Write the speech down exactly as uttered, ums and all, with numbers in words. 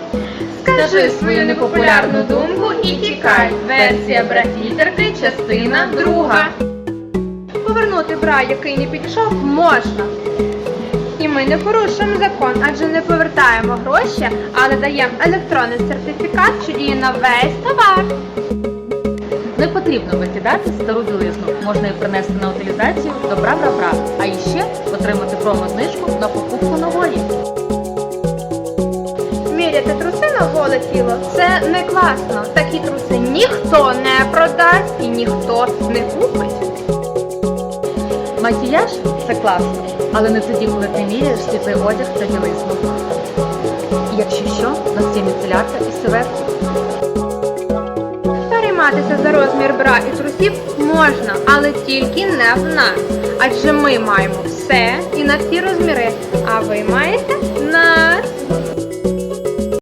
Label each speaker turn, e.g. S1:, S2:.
S1: Скажи свою непопулярну думку і тікай. Версія бра-фільтрки, частина друга.
S2: Повернути бра, який не підійшов, можна. І ми не порушуємо закон, адже не повертаємо гроші, але даємо електронний сертифікат, що діє на весь товар.
S1: Не потрібно викидати стару білизну. Можна її принести на утилізацію до бра-бра-бра. А іще отримати промо-знижку на покупку нової.
S2: Міряти труси на голе тіло – це не класно. Такі труси ніхто не продасть і ніхто не купить.
S1: Макіяж – це класно, але не тоді, коли ти міряєш світлий одяг та білизну. І якщо що, у нас є міцелярка і сиветки.
S2: Перейматися за розмір бра і трусів можна, але тільки не в нас. Адже ми маємо все і на всі розміри, а ви маєте на